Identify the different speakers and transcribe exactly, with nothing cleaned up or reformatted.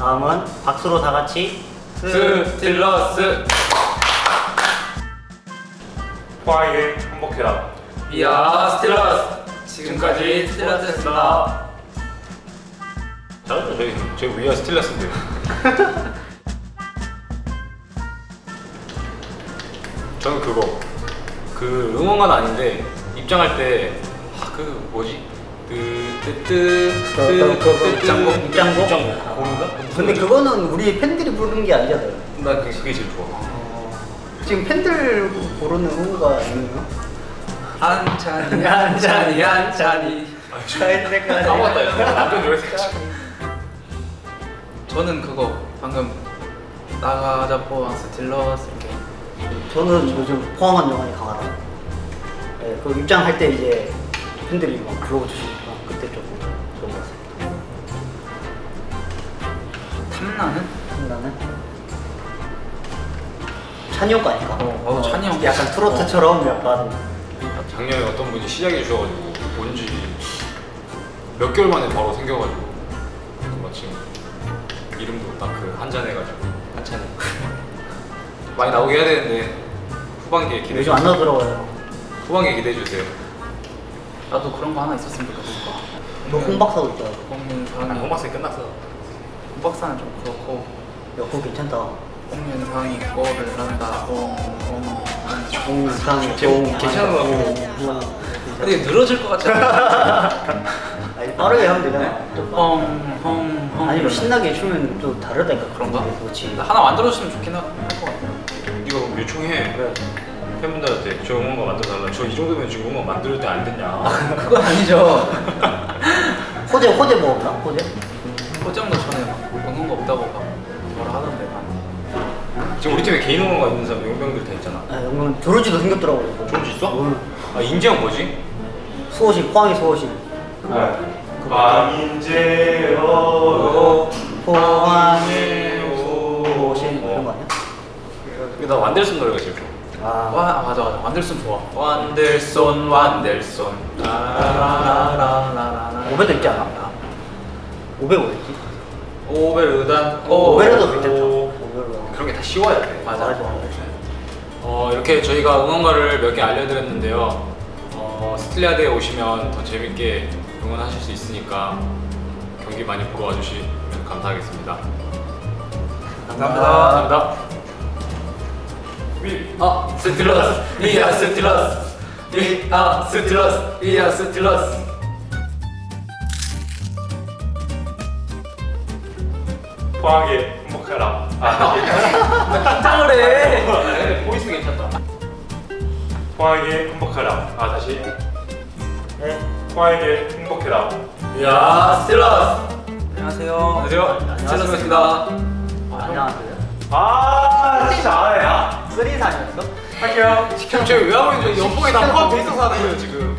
Speaker 1: 다음은 박수로 다 같이
Speaker 2: 스틸러스.
Speaker 3: 포항에게 행복해라.
Speaker 2: 이야 스틸러스. 지금까지 스틸러스였습니다.
Speaker 3: 잘했죠. 저희 저희 위아 스틸러스인데. 저는 그거 그 응원가는 아닌데 입장할 때 그 뭐지 뜨뜨뜨뜨
Speaker 1: 입장곡? 입장곡?
Speaker 3: 입장곡 고른가?
Speaker 1: 근데 그거는 우리 팬들이 부르는 게 아니잖아요.
Speaker 3: 나 그게, 그게 제일 좋아.
Speaker 1: 지금 팬들 부르는 응원가 아니에요?
Speaker 2: 한 잔이 한 잔이 한 잔이.
Speaker 3: 까먹었다 이거. 완전 노래 생각.
Speaker 2: 저는 그거 방금 나가자 포항 스틸러스 이렇게.
Speaker 1: 저는 요즘 포항한 영화에 강하다. 네, 그 입장할 때 이제 팬들이 막 불러주시니까 그때 좀 좋은 것 같습니다.
Speaker 2: 탐나는?
Speaker 1: 나는 찬이 형 거니까.
Speaker 2: 어, 어, 찬이 형.
Speaker 1: 약간 트로트처럼 약간
Speaker 3: 작년에 어떤 분이 시작해 주셔가지고 뭔지 몇 개월 만에 바로 생겨가지고 그 마침 이름도 딱 그 한잔 해가지고 한잔 많이 나오게 해야 되는데 후반기에 기대해
Speaker 1: 요즘 안
Speaker 3: 주세요.
Speaker 1: 나더라고요.
Speaker 3: 후반기에 기대해 주세요.
Speaker 2: 나도 그런 거 하나 있었으면 좋겠어.
Speaker 1: 너 홍박사도 있더라고.
Speaker 2: 홍윤상이.
Speaker 3: 홍박사에 끝났어.
Speaker 2: 홍박사는 좀 그렇고.
Speaker 1: 야 그거 괜찮다.
Speaker 2: 홍윤상이 거를 한다. 홍홍.
Speaker 1: 홍상이
Speaker 3: 제목 괜찮은 것 같고.
Speaker 2: 근데 늘어질 것 같지 않아?
Speaker 1: 아니 빠르게 하면 되잖아.
Speaker 2: 홍홍홍.
Speaker 1: 아니면 신나게 추면 또 다르다니까.
Speaker 2: 그런가?
Speaker 1: 그렇지.
Speaker 2: 하나 만들어주시면 좋긴 할 것 같아요.
Speaker 3: 이거 그럼 요청해.
Speaker 1: 그래.
Speaker 3: 팬분들한테 저 응원가 만들어달라. 저 이 정도면 지금 응원 만들 때 안 됐냐?
Speaker 2: 그건 아니죠.
Speaker 1: 호재 호재 뭐 없나? 호재?
Speaker 2: 호정도 전에 막 응원 거 없다고 막 뭐라 하던데 나한테.
Speaker 3: 지금 우리 팀에 개인 응원가 있는 사람 용병들 다 있잖아.
Speaker 1: 아 영문 조르지도 생겼더라고.
Speaker 3: 조르지 있어?
Speaker 1: 응.
Speaker 3: 아 인지형 뭐지?
Speaker 1: 수호신 포항의 수호신.
Speaker 3: 광인제요
Speaker 1: 포항의 수호신 이런 거 아니야?
Speaker 3: 나 완델슨 노래가 제일 좋아.
Speaker 1: 아.
Speaker 2: 와 아, 맞아 맞아 완델손 좋아. 완델손 완델손. 라라라라라라.
Speaker 1: 오베도 있지 않아? 오베 뭐였지?
Speaker 2: 오베르단.
Speaker 1: 오베르도 괜찮죠.
Speaker 3: 오.
Speaker 1: 오베르도.
Speaker 3: 그런 게 다 쉬워야 돼.
Speaker 2: 맞아.
Speaker 1: 맞아.
Speaker 3: 어, 이렇게 저희가 응원가를 몇 개 알려드렸는데요. 어, 스틸리아드에 오시면 더 재밌게 응원하실 수 있으니까 경기 많이 보러 와주시면 감사하겠습니다.
Speaker 2: 감사합니다.
Speaker 3: 감사합니다. 위.
Speaker 2: 아 스틸러스. 이야 스틸러스. 이아 스틸러스. 이야 스틸러스.
Speaker 3: 포항에 행복해라. 아,
Speaker 2: 긴장을 해.
Speaker 3: 근데 보이스 괜찮다. 포항에 행복해라. 아, 다시.
Speaker 1: 네.
Speaker 3: 포항에 행복해라.
Speaker 2: 이야 스틸러스. 안녕하세요.
Speaker 3: 안녕하세요.
Speaker 2: 스틸러스입니다.
Speaker 1: 안녕하세요.
Speaker 3: 아, 진짜 안 해. 야.
Speaker 1: 쓰리산이었어?
Speaker 3: 할게요. 지금 저희 왜 하고 있는지 연봉에 다 포함돼 있어서 하는 거예요, 지금.